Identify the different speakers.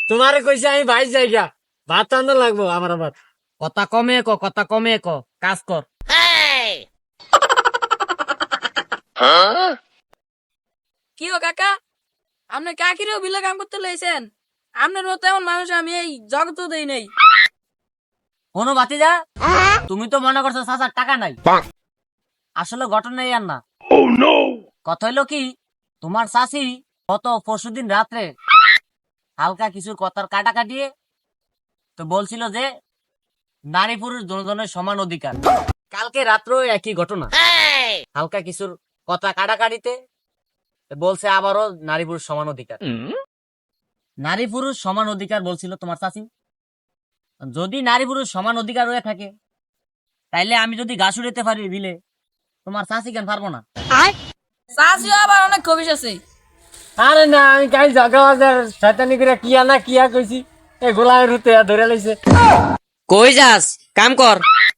Speaker 1: তোমারে কইছি আমি বাইশ জায়গা ভাত আনতে লাগবো আমার আবার।
Speaker 2: কথা কমে ক কাজ কর।
Speaker 3: কি ও কাকা, আপনি কাকিরেও বিলে কাম করতে লইছেন? আপনার মতো এমন মানুষ আমি এই জগত দেই নাই।
Speaker 2: কোনো বাতিজা, তুমি তো মনে করছো চাচার টাকা নাই, আসলে ঘটনা আর না। কথা হইলো কি, তোমার চাচি গত পরশুদিন রাত্রে হালকা কিছু কথার কাটা কাটিয়ে তো বলছিল যে নারী পুরুষ দুজনের সমান অধিকার। কালকে রাত্রেও একই ঘটনা, হালকা কিছুর কথা কাটাকাটিতে বলছে আবারও নারী পুরুষ সমান অধিকার। নারী পুরুষ সমান অধিকার বলছিল তোমার চাচি। যদি নারী পুরুষ সমান অধিকার হয়ে থাকে, তাইলে আমি যদি ঘাস উড়াইতে পারি বিলে, তোমার চাচি কেন পারবো না?
Speaker 3: চাষিও আবার অনেক খবিস আছে।
Speaker 1: আরে না, আমি কাল জাগা বাজার শয়তানি করে কিয়া না কিয়া কইছি, এই গোলামের হুতে ধরে লাইছে।
Speaker 2: কই যাস, কাম কর।